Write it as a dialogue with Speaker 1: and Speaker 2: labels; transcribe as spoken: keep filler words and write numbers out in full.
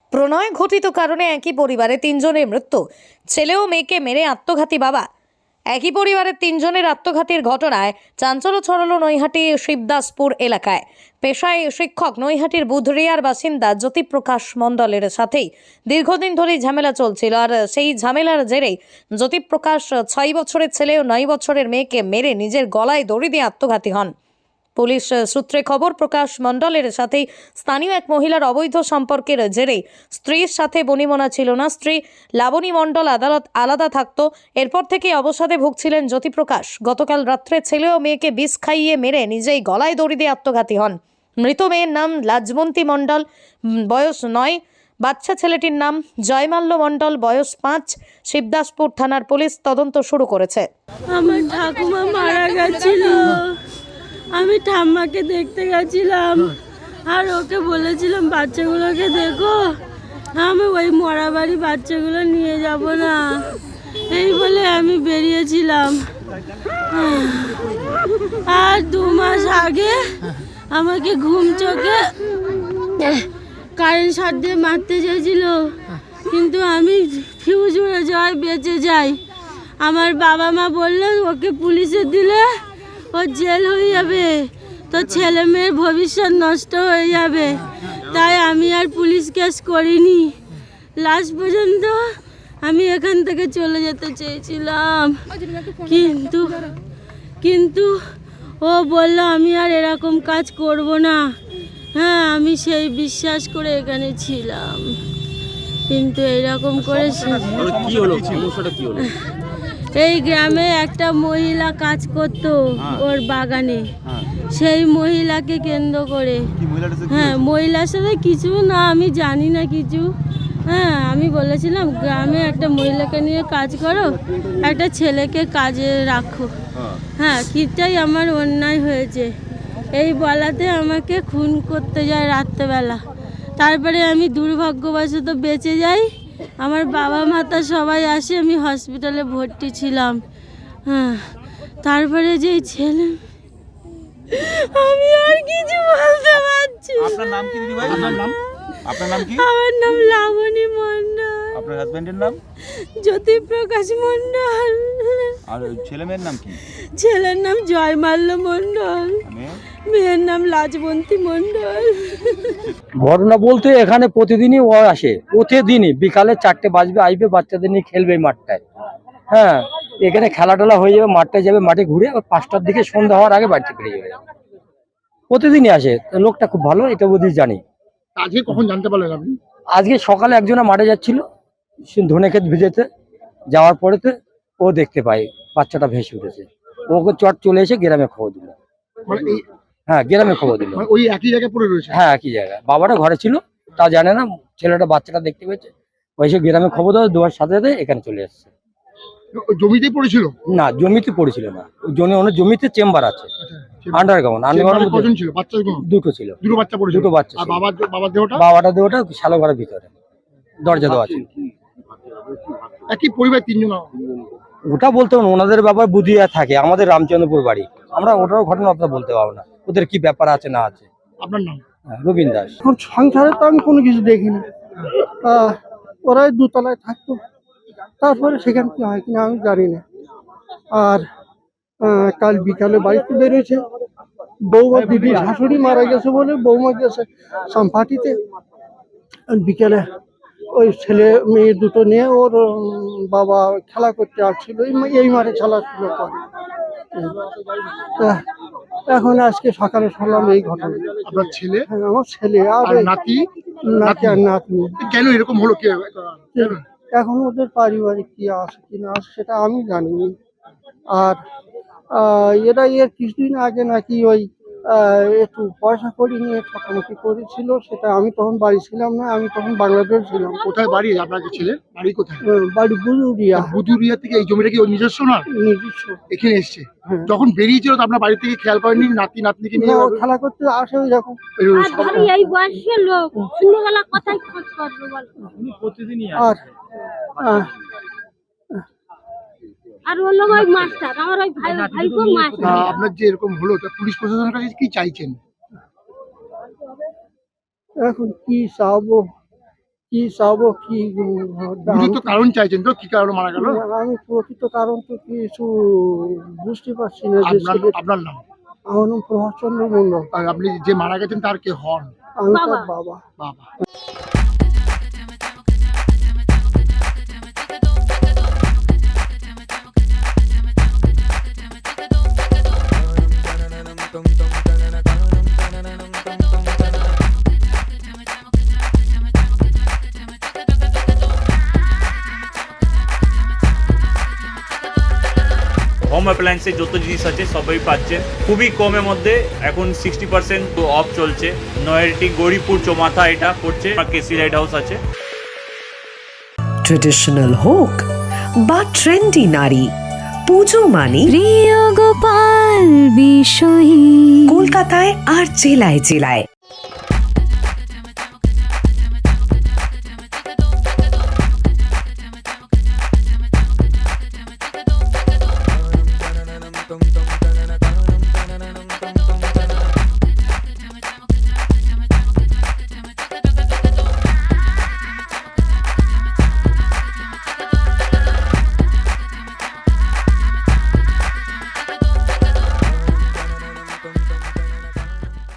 Speaker 1: প্রণয় ঘটিত কারণে একই পরিবারে তিনজনের মৃত্যু, ছেলে ও মেয়েকে মেরে আত্মঘাতী বাবা। একই পরিবারের তিনজনের আত্মঘাতীর ঘটনায় চাঞ্চল্য ছড়ালো নৈহাটি শিবদাসপুর এলাকায়। পেশায় শিক্ষক নৈহাটির বুধরিয়ার বাসিন্দা জ্যোতিপ্রকাশ মণ্ডলের সাথেই দীর্ঘদিন ধরেই ঝামেলা চলছিল, আর সেই ঝামেলার জেরেই জ্যোতিপ্রকাশ ছয় বছরের ছেলে ও নয় বছরের মেয়েকে মেরে নিজের গলায় দড়ি দিয়ে আত্মঘাতী হন। পুলিশ সূত্রে খবর, প্রকাশ মণ্ডলের সাথে স্থানীয় এক মহিলার অবৈধ সম্পর্কের জেরে স্ত্রীর সাথে বনিমনা ছিল না। স্ত্রী লাবণী মণ্ডল আদালত আলাদা থাকতো। এরপর থেকে অবসাদে ভুগছিলেন জ্যোতিপ্রকাশ। গতকাল রাত্রে ছেলে ও মেয়েকে বিষ খাইয়ে মেরে নিজেই গলায় দড়ি দিয়ে আত্মঘাতী হন। মৃত মেয়ের নাম লাজবন্তী মণ্ডল, বয়স নয়। বাচ্চা ছেলেটির নাম জয়মাল্য মণ্ডল, বয়স পাঁচ। শিবদাসপুর থানার পুলিশ তদন্ত শুরু করেছে।
Speaker 2: আমার ঠাকুমা মারা গেছিল, আমি ঠাম্মাকে দেখতে গেছিলাম আর ওকে বলেছিলাম বাচ্চাগুলোকে দেখো, আমি ওই মরা বাড়ি বাচ্চাগুলো নিয়ে যাব না, এই বলে আমি বেরিয়েছিলাম। আর দু মাস আগে আমাকে ঘুম চোখে কারেন্ট শট দিয়ে মারতে চেয়েছিল, কিন্তু আমি ফিউজ উড়ে যাওয়ায় বেঁচে যাই। আমার বাবা মা বললেন ওকে পুলিশে দিলে ও জেল হয়ে যাবে, তো ছেলে মেয়ের ভবিষ্যৎ নষ্ট হয়ে যাবে, তাই আমি আর পুলিশ কেস করিনি। লাস্ট পর্যন্ত আমি এখান থেকে চলে যেতে চেয়েছিলাম, কিন্তু কিন্তু ও বলল আমি আর এরকম কাজ করব না। হ্যাঁ, আমি সেই বিশ্বাস করে এখানে ছিলাম, কিন্তু এরকম করে
Speaker 3: কি হলো, সমস্যাটা কি হলো?
Speaker 2: এই গ্রামে একটা মহিলা কাজ করত ওর বাগানে, সেই মহিলাকে কেন্দ্র করে। হ্যাঁ, মহিলার সাথে কিছু না, আমি জানি না কিছু। হ্যাঁ, আমি বলেছিলাম গ্রামে একটা মহিলাকে নিয়ে কাজ করো, একটা ছেলেকে কাজে রাখো। হ্যাঁ, কিটাই আমার অন্যায় হয়েছে, এই বলাতে আমাকে খুন করতে যায় রাত্রেবেলা। তারপরে আমি দুর্ভাগ্যবশত বেঁচে যাই। আমার বাবা মাতা সবাই আসে, আমি হসপিটালে ভর্তি ছিলাম। হ্যাঁ, তারপরে যে ছেলে, আমি আর কিছু বলতে পারছি না।
Speaker 3: আপনার নাম কি দিদি ভাই? আপনার নাম? আপনার নাম কি?
Speaker 2: আমার নাম লাবণী মণ্ডল।
Speaker 3: আপনার হাজবেন্ডের নাম?
Speaker 2: জ্যোতিপ্রকাশ মণ্ডল।
Speaker 3: আর ছেলে মেয়ের নাম কি?
Speaker 2: ছেলের নাম জয়মাল্য মণ্ডল, মেয়ের নাম লাজবন্তী মণ্ডল।
Speaker 4: ঘটনা বলতে এখানে প্রতিদিনই ও আসে, প্রতিদিনই বিকালে চারটে বাজবে, আসবে, বাচ্চাদের নিয়ে খেলবে মাঠটায়। হ্যাঁ, এখানে খেলা টেলা হয়ে যাবে, মাঠটায় যাবে, মাঠে ঘুরে আবার পাঁচটার দিকে সন্ধ্যা হওয়ার আগে বাড়িতে ফিরে যাবে। প্রতিদিনই আসে, লোকটা খুব ভালো, এটা বোধহয় জানি।
Speaker 5: আজকে কখন জানতে পারলেন আপনি?
Speaker 4: আজকে সকালে একজনা মাঠে যাচ্ছিল ধনে ক্ষেত ভিজেতে, যাওয়ার পরেতে ও দেখতে পায় বাচ্চাটা ভেসে উঠেছে। ওকে চট চলে এসে গ্রামে খবর দিল।
Speaker 5: মানে এই
Speaker 4: হ্যাঁ, গ্রামে খবর দিল।
Speaker 5: মানে ওই একই জায়গায় পড়ে রয়েছে?
Speaker 4: হ্যাঁ, একই জায়গায়। বাবাটা ঘরে ছিল, তা জানে না, ছেলেটা বাচ্চাটা দেখতে পেয়েছে, ওই সে গ্রামে খবর দেওয়া দেওয়ার সাথে সাথে এখানে চলে এসছে।
Speaker 5: ওই জমিতেই পড়েছিল?
Speaker 4: না, জমিতে পড়েছিল না, ওই জমি অনেক জমিতে চেম্বার আছে, আন্ডারগ্রাউন্ড। আন্ডারগ্রাউন্ড
Speaker 5: কজন ছিল? বাচ্চা
Speaker 4: দুটো ছিল।
Speaker 5: দুটো বাচ্চা পড়েছিল?
Speaker 4: দুটো বাচ্চা
Speaker 5: আর
Speaker 4: ছিল।
Speaker 5: বাবার বাবার দেহটা?
Speaker 4: বাবাটা দেওয়াটা শালো ঘরের ভিতরে দরজা দেওয়া ছিল।
Speaker 5: একই পরিবার তিনজন?
Speaker 4: ওটা বলতে পারবো না, ওনাদের ব্যাপার বুধিয়া থাকে, আমাদের রামচন্দ্রপুর বাড়ি, আমরা ওটার ঘটনা অতটা বলতে পারবো না, ওদের কি ব্যাপার আছে না আছে।
Speaker 5: আপনার নাম?
Speaker 4: হ্যাঁ, রবীন দাস।
Speaker 6: এখন সংসারে তো আমি কোনো কিছু দেখিনি, আহ, ওরাই দুতলায় থাকতো, তারপরে সেখানে কি হয় কিনা আমি জানি না। আর আহ, কাল বিকালে বাড়িতে বেরিয়েছে, বৌমা দিদি শাশুড়ি মারা গেছে বলে বৌমা গেছে সামপাটিতে, আর বিকেলে ওই ছেলে মেয়ে দুটো নিয়ে ওর উম, বাবা খেলা করতে আসছিল, এই মা- এই মাঠে খেলাধুলো করে। আহ, এখন আজকে সকালে শুনলাম এই ঘটনা।
Speaker 5: আপনার ছেলে
Speaker 6: হ্যাঁ, আমার ছেলে আর
Speaker 5: আর
Speaker 6: এই
Speaker 5: নাতি?
Speaker 6: নাতি আর নাতনি।
Speaker 5: কেন এরকম হলো? কে কেন?
Speaker 6: এখন ওদের পারিবারিক কি আছে কি না আছে সেটা আমি জানি। আর আহ, এরা এর কিছুদিন আগে নাকি ওই আহ, একটু পয়সা করি নিয়ে ঠকামুখি করেছিল, সেটা আমি তখন বাড়ি ছিলাম না, আমি তখন বাংলাদেশ ছিলাম।
Speaker 5: কোথায় বাড়ি আপনার যে ছেলে? বাড়ি কোথায়?
Speaker 6: আহ, বাড়ি বুজুরিয়া,
Speaker 5: বুদুরিয়া থেকে এই জমিটা কি ওর নিজস্ব না?
Speaker 6: নিজস্ব।
Speaker 5: এখানে এসছে
Speaker 6: হ্যাঁ।
Speaker 5: যখন বেরিয়েছিল তো আপনার বাড়ি থেকে খেয়াল করেননি নাতি নাতনিকে
Speaker 6: না,
Speaker 5: নিয়ে?
Speaker 6: ও খেলা করতে আসে ওই রকম।
Speaker 2: আর ধরি এই বয়সের লোক সন্ধ্যেবেলা কোথায় খোঁজ করবে বল?
Speaker 6: আর আহ,
Speaker 2: আর হলো ওই মাস্টার, আমার ওই ভাই ভাইপো মাস্টার।
Speaker 5: আহ, আপনার যে এরকম হলো তা পুলিশ প্রশাসনের কাছে কি চাইছেন?
Speaker 6: এখন কি চাবো, কি চাবো কি উম,
Speaker 5: বুঝে তো কারণ চাইছেন তো কি কারণে মারা গেল?
Speaker 6: আমি প্রকৃত কারণ তো কিছু বুঝতে পারছি না যে
Speaker 5: আপনার
Speaker 6: ছেলে-
Speaker 5: আপনার নাম?
Speaker 6: আমার নাম প্রভাস চন্দ্র মন্ডল,
Speaker 5: আর আপনি যে মারা গেছেন তার কে হন?
Speaker 6: আমি তার বাবা।
Speaker 5: বাবা।
Speaker 7: হোম অ্যাপ্লায়েন্সের যত জিনিস আছে সবই পাচ্ছেন খুবই কমের মধ্যে। এখন সিক্সটি পার্সেন্ট অফ চলছে। নয়ারটি গৌরীপুর চৌমাথা এটা পড়ছে, কেসি লাইট হাউস আছে।
Speaker 8: ট্রেডিশনাল হোক বা ট্রেন্ডি নারী, পুজো মানে
Speaker 9: প্রিয় গোপাল বিষয়ী
Speaker 8: কলকাতায় আর জেলায় জেলায়।
Speaker 10: Dum dum